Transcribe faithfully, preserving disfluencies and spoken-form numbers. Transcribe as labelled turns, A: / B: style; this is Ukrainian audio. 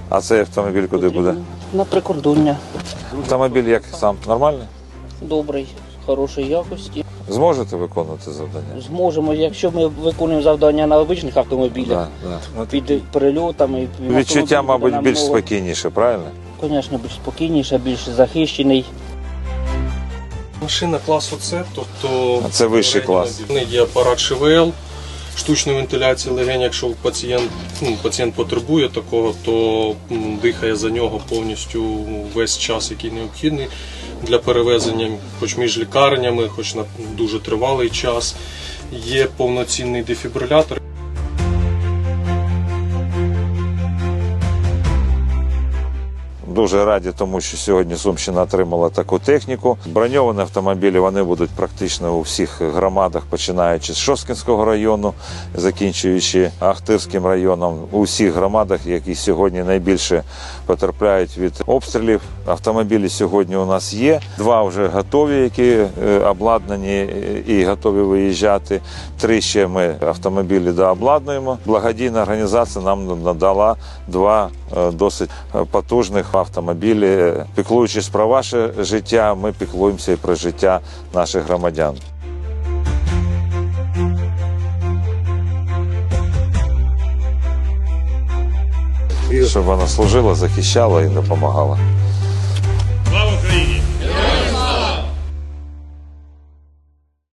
A: А цей автомобіль куди буде?
B: На прикордоння.
A: Автомобіль як сам? Нормальний?
B: Добрий, хорошої якості.
A: Зможете виконувати завдання?
B: Зможемо, якщо ми виконуємо завдання на звичайних автомобілях,
A: Да, да. Ну,
B: під перельотами.
A: відчуття, мабуть, більш спокійніше, правильно?
B: Звісно, більш спокійніше, більш захищений.
C: Машина класу С, тобто
A: А це вищий клас.
C: В неї є апарат ШВЛ, штучної вентиляції легень. Якщо пацієнт, ну, пацієнт потребує такого, то м, дихає за нього повністю весь час, який необхідний для перевезення, хоч між лікарнями, хоч на дуже тривалий час. Є повноцінний дефібрилятор.
A: Дуже раді, тому що сьогодні Сумщина отримала таку техніку. Броньовані автомобілі вони будуть практично у всіх громадах, починаючи з Шосткінського району, закінчуючи Ахтирським районом. У всіх громадах, які сьогодні найбільше потерпляють від обстрілів. Автомобілі сьогодні у нас є. Два вже готові, які обладнані і готові виїжджати. Три ще ми автомобілі дообладнуємо. Благодійна організація нам надала два досить потужних автомобілі. Піклуючись про ваше життя, ми піклуємося і про життя наших громадян. Щоб вона служила, захищала і допомагала.